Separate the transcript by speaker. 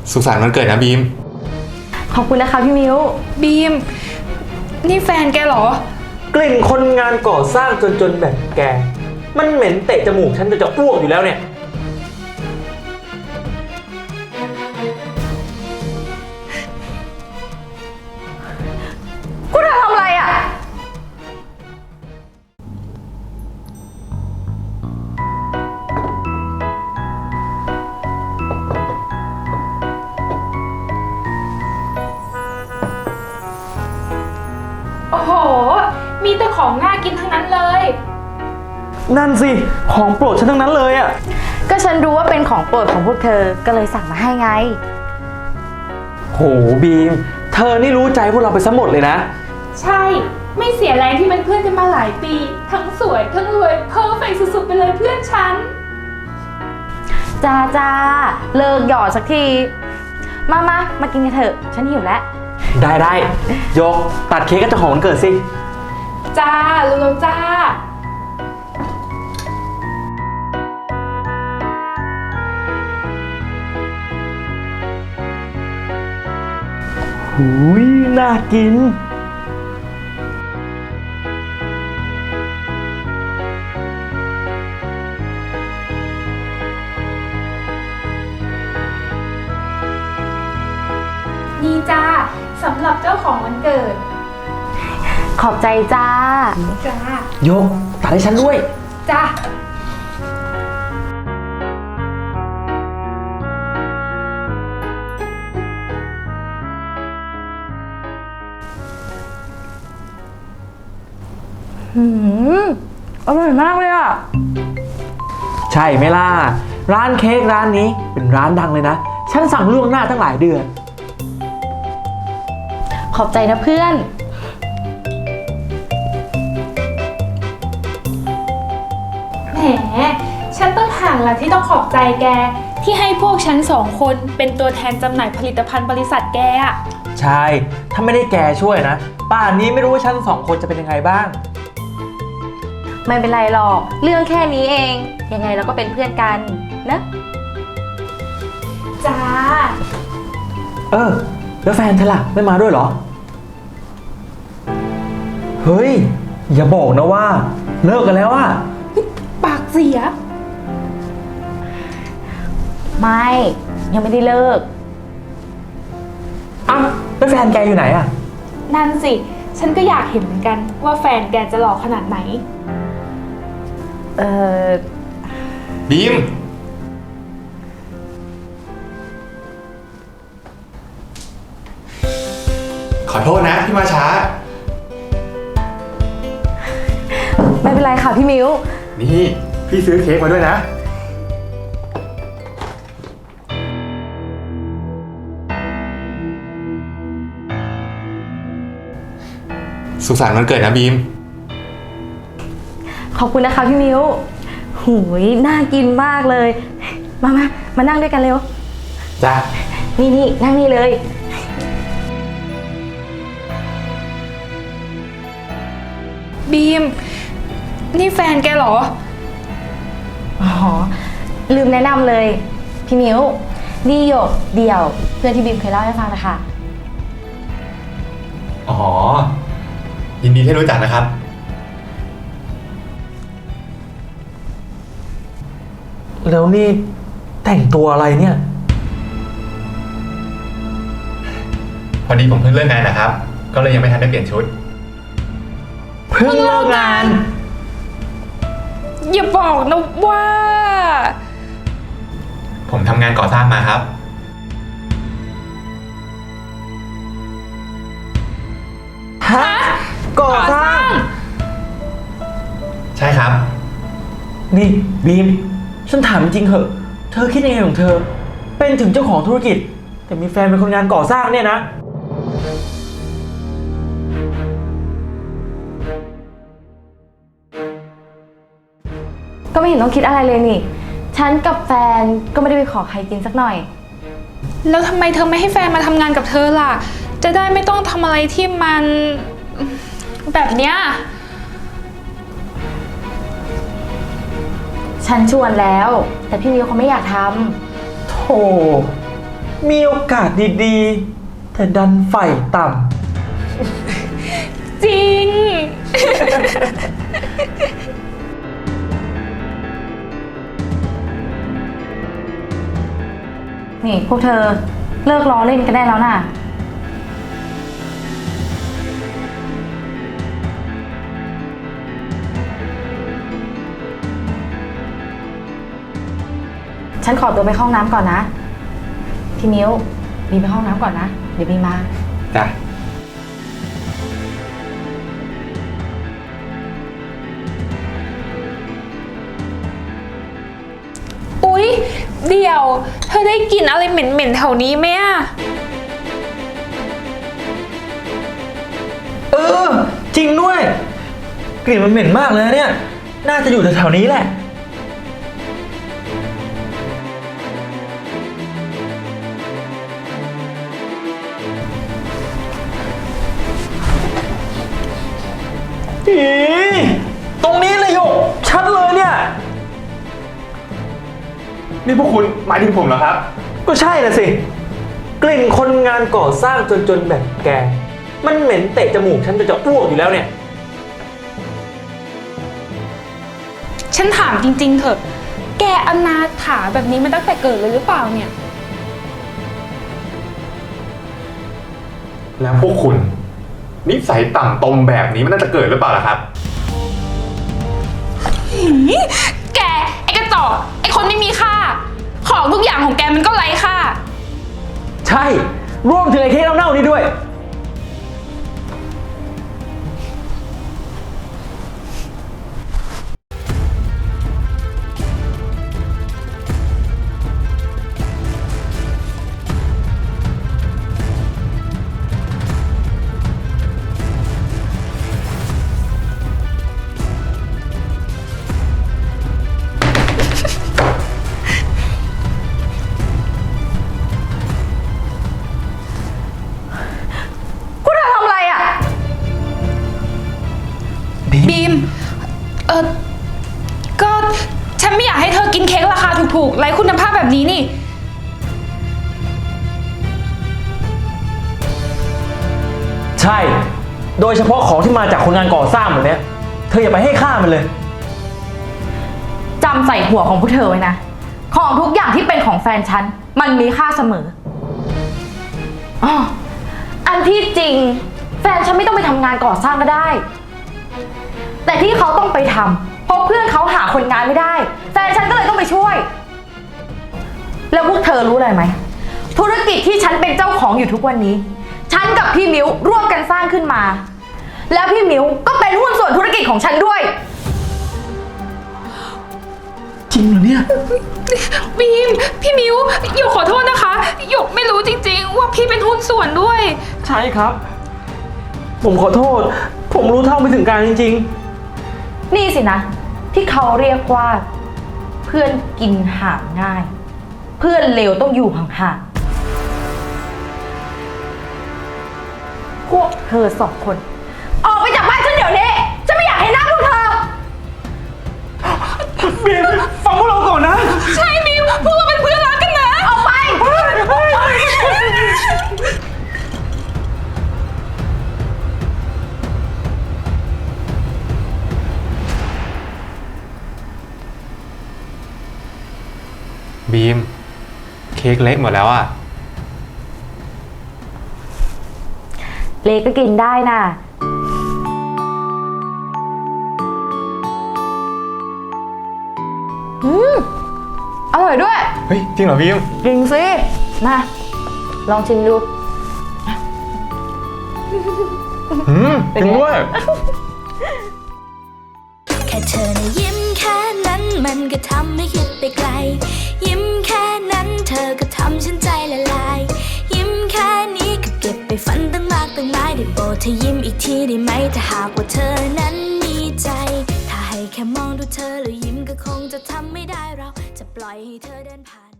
Speaker 1: สุขสันต์วันเกิดนะบีม
Speaker 2: ขอบคุณนะคะพี่มิ้ว
Speaker 3: บีมนี่แฟนแกเหรอ
Speaker 4: กลิ่นคนงานก่อสร้างจนแบบแกมันเหม็นเตะจมูกฉันจะอ้วกอยู่แล้วเนี่ย
Speaker 2: กูทำอะไรอ่ะ
Speaker 3: โอ้โหมีแต่ของน่ากินทั้งนั้นเลย
Speaker 4: นั่นสิของโปรดฉันทั้งนั้นเลยอ่ะ
Speaker 2: ก็ฉันรู้ว่าเป็นของโปรดของพวกเธอก็เลยสั่งมาให้ไง
Speaker 4: โหบีมเธอนี่รู้ใจพวกเราไปซะหมดเลยนะ
Speaker 3: ใช่ไม่เสียแรงที่เป็นเพื่อนกันมาหลายปีทั้งสวยทั้งรวยเพอร์เฟกต์สุดๆไปเลยเพื่อนฉัน
Speaker 2: จ้าเลิกหยอดสักทีมากินกันเถอะฉันหิวแล้ว
Speaker 4: ได้ยกตัดเค้กกับเจ้าของวันเกิดสิ
Speaker 3: จ้าลุงจ้า
Speaker 4: หูยน่ากิน
Speaker 3: นี่จ้าสำหรับเจ้าของวันเกิด
Speaker 2: ขอบใจจ้า
Speaker 4: โยกตัดให้ฉันด้วย
Speaker 3: จ้า
Speaker 2: อร่อยมากเลยอ่ะ
Speaker 4: ใช่ไหมล่ะร้านเค้กร้านนี้เป็นร้านดังเลยนะฉันสั่งล่วงหน้าตั้งหลายเดือน
Speaker 2: ขอบใจนะเพื่อน
Speaker 3: แหมฉันต้องห่างละที่ต้องขอบใจแกที่ให้พวกฉันสองคนเป็นตัวแทนจำหน่ายผลิตภัณฑ์บริษัทแกอะ
Speaker 4: ใช่ถ้าไม่ได้แกช่วยนะป่านนี้ไม่รู้ว่าฉันสองคนจะเป็นยังไงบ้าง
Speaker 2: ไม่เป็นไรหรอกเรื่องแค่นี้เองยังไงเราก็เป็นเพื่อนกันนะ
Speaker 3: จ้า
Speaker 4: แล้วแฟนเธอล่ะไม่มาด้วยเหรอเฮ้ยอย่าบอกนะว่าเลิกกันแล้วอะ
Speaker 3: ปากเสีย
Speaker 2: ไม่ยังไม่ได้เลิก
Speaker 4: อ้าวแล้วแฟนแกอยู่ไหนอะ
Speaker 3: นั่นสิฉันก็อยากเห็นเหมือนกันว่าแฟนแกจะหล่อขนาดไหน
Speaker 1: บีมขอโทษนะที่มาช้า
Speaker 2: ไม่เป็นไรค่ะพี่มิ้ว
Speaker 1: นี่พี่ซื้อเค้กมาด้วยนะสุขสันต์วันเกิดนะบีม
Speaker 2: ขอบคุณนะคะพี่มิ้วหูยน่ากินมากเลยมานั่งด้วยกันเร็ว
Speaker 1: จ้า
Speaker 2: นี่นั่งนี่เลย
Speaker 3: บีมนี่แฟนแกเหรอ
Speaker 2: อ๋อลืมแนะนำเลยพี่มิ้วนี่หยกเดี่ยวเพื่อนที่บีมเคยเล่าให้ฟังนะคะ
Speaker 1: อ๋อยินดีที่รู้จักนะครับ
Speaker 4: แล้วนี่แต่งตัวอะไรเนี่ย
Speaker 1: พอดีผมเพิ่งเลิกงานนะครับก็เลยยังไม่ทันได้เปลี่ยนชุด
Speaker 4: เพิ่งเลิกงาน
Speaker 3: อย่าบอกนะว่า
Speaker 1: ผมทำงานก่อสร้างมาครับ
Speaker 4: ฮะก่อสร้าง
Speaker 1: ใช่ครับ
Speaker 4: นี่บีมฉันถามจริงเหอะเธอคิดยังไงของเธอเป็นถึงเจ้าของธุรกิจแต่มีแฟนเป็นคนงานก่อสร้างเนี่ยนะ
Speaker 2: ก็ไม่เห็นต้องคิดอะไรเลยนี่ฉันกับแฟนก็ไม่ได้ไปขอใครกินสักหน่อย
Speaker 3: แล้วทำไมเธอไม่ให้แฟนมาทำงานกับเธอล่ะจะได้ไม่ต้องทำอะไรที่มันแบบเนี้ย
Speaker 2: ฉันชวนแล้วแต่พี่มิวเขาไม่อยากทำ
Speaker 4: โธ่มีโอกาสดีๆ แต่ดันไฟต่
Speaker 3: จริง
Speaker 2: นี่พวกเธอเลิกล้อเล่นกันได้แล้วน่ะ ฉันขอตัวไปเข้าห้องน้ำก่อนนะ พี่มิ้วบีไปเข้าห้องน้ำก่อนนะ เดี๋ยวบีมา
Speaker 1: จ้ะ
Speaker 3: อุ๊ย เดี๋ยว เธอได้กลิ่นอะไรเหม็นๆแถวนี้ไหมอะ
Speaker 4: ำจริงด้วย กลิ่นมันเหม็นมากเลยนะเนี่ย น่าจะอยู่แถวๆนี้แหละ อีตรงนี้เลยโยกชัดเลยเนี่ย
Speaker 1: นี่พวกคุณหมายถึงผมเหรอครับ
Speaker 4: ก็ใช่น่ะสิ กลิ่นคนงานก่อสร้างจนแบบแก มันเหม็นเตะจมูกฉันจะอ้วกอยู่แล้วเนี่ย
Speaker 3: ฉันถามจริงๆเถอะ แกอนาถาแบบนี้มาตั้งแต่เกิดเลยหรือเปล่าเนี่ย
Speaker 1: แล้วพวกคุณนิสัยต่ำตมแบบนี้มันน่าจะเกิดหรือเปล่าล่ะครับ
Speaker 3: แก ไอ้กระจอกไอ้คนไม่มีค่า ของทุกอย่างของแกมันก็ไร้ค่า
Speaker 4: ใช่ รวมถึงไอ้เค้กเน่าๆนี่ด้วย
Speaker 2: พวกเธอทำอะไรอ่ะ
Speaker 3: บีม ก็ฉันไม่อยากให้เธอกินเค้กราคาถูกๆไร้คุณภาพแบบนี้นี่
Speaker 4: ใช่ โดยเฉพาะของที่มาจากคนงานก่อสร้างแบบเนี้ย เธออย่าไปให้ค่ามันเลย
Speaker 2: จำใส่หัวของพวกเธอไว้นะ ของทุกอย่างที่เป็นของแฟนฉัน มันมีค่าเสมออ้ออันที่จริง แฟนฉันไม่ต้องไปทำงานก่อสร้างก็ได้ แต่ที่เขาต้องไปทำเพราะเพื่อนเขาหาคนงานไม่ได้ แฟนฉันก็เลยต้องไปช่วย แล้วพวกเธอรู้อะไรไหม ธุรกิจที่ฉันเป็นเจ้าของอยู่ทุกวันนี้ ฉันกับพี่มิ้วร่วมกันสร้างขึ้นมา แล้วพี่มิ้วก็เป็นหุ้นส่วนธุรกิจของฉันด้วย
Speaker 4: จริงเหรอเนี่ย
Speaker 3: บีม พี่มิวหยกขอโทษนะคะหยกไม่รู้จริงๆ ว่าพี่เป็นหุ้นส่วนด้วย
Speaker 4: ใช่ครับ ผมขอโทษ ผมรู้เท่าไม่ถึงการจริง
Speaker 2: นี่สินะ ที่เขาเรียกว่า เพื่อนกินห่างง่าย เพื่อนเลวต้องอยู่ห่างๆพวกเธอสองคน ออกไปจากบ้านฉันเดี๋ยวนี้ฉันไม่อยากเห็นหน้าพวกเธอ
Speaker 4: ๆ บีมฟังพวกเราก่อนนะ
Speaker 3: ใช่มิวพวกเราเป็นเพื่อนรักกันนะ
Speaker 2: ออกไป
Speaker 1: บีม เค้กเละหมดแล้วอ่ะ
Speaker 2: เล็กก็กินได้น่ะ อร่อยด้วย
Speaker 1: เฮ้ย จริงเหรอบีม
Speaker 2: จริงสิ มา ลองชิมดู
Speaker 1: จริงด้วย
Speaker 5: แค่เธอนะยิ้มแค่นั้นมันก็ทำให้คิดไปไกล ยิ้มแค่นั้นเธอก็ทำฉันใจละลาย ยิ้มแค่นี้ก็เก็บไปฝันตั้งมากตั้งหลายได้โปรดเธอยิ้มอีกทีได้ไหมถ้าหากว่าเธอนั้นมีใจ ถ้าให้แค่มองดูเธอแล้วยิ้มก็คงจะทำไม่ได้เราจะปล่อยให้เธอเดินผ่าน